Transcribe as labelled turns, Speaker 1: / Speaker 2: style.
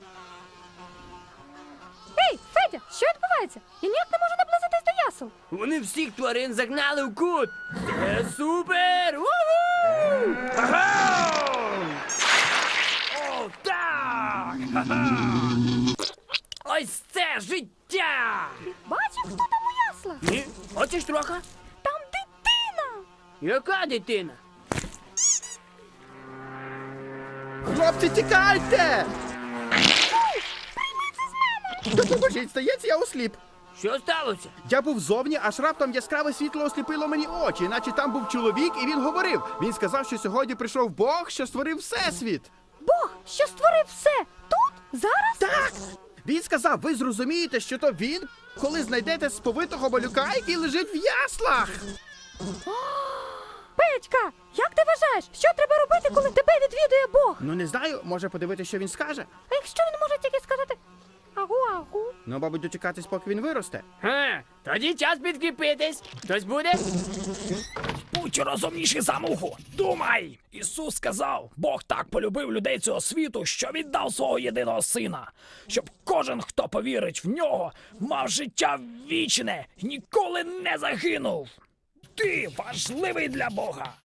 Speaker 1: Ей, Федя, що відбувається? Я ніяк не можу наблизитись до ясел.
Speaker 2: Вони всіх тварин загнали в кут. Це супер! Уху! Ага! О, так! Ага! Ось це життя!
Speaker 1: Бачив, хто там у яслах?
Speaker 2: Ні? Хочеш трохи?
Speaker 1: Там дитина!
Speaker 2: Яка дитина?
Speaker 3: Хлопці, тікайте! Допоможіть, здається, я осліп.
Speaker 2: Що сталося?
Speaker 3: Я був зовні, аж раптом яскраве світло осліпило мені очі, наче там був чоловік, і він говорив. Він сказав, що сьогодні прийшов Бог, що створив всесвіт.
Speaker 1: Бог, що створив все? Тут? Зараз?
Speaker 3: Так! Він сказав, ви зрозумієте, що то він, коли знайдете сповитого малюка, який лежить в яслах.
Speaker 1: Петька, як ти вважаєш, що треба робити, коли тебе відвідує Бог?
Speaker 3: Ну не знаю, може подивитися, що він скаже.
Speaker 1: А якщо він може тільки сказати агу-агу?
Speaker 3: Ну, мабуть, дочекатись, поки він виросте.
Speaker 2: Тоді час підкріпитись. Хтось буде?
Speaker 4: Будь розумніший за муху. Думай! Ісус сказав, Бог так полюбив людей цього світу, що віддав свого єдиного сина, щоб кожен, хто повірить в нього, мав життя вічне, ніколи не загинув. Ти важливий для Бога.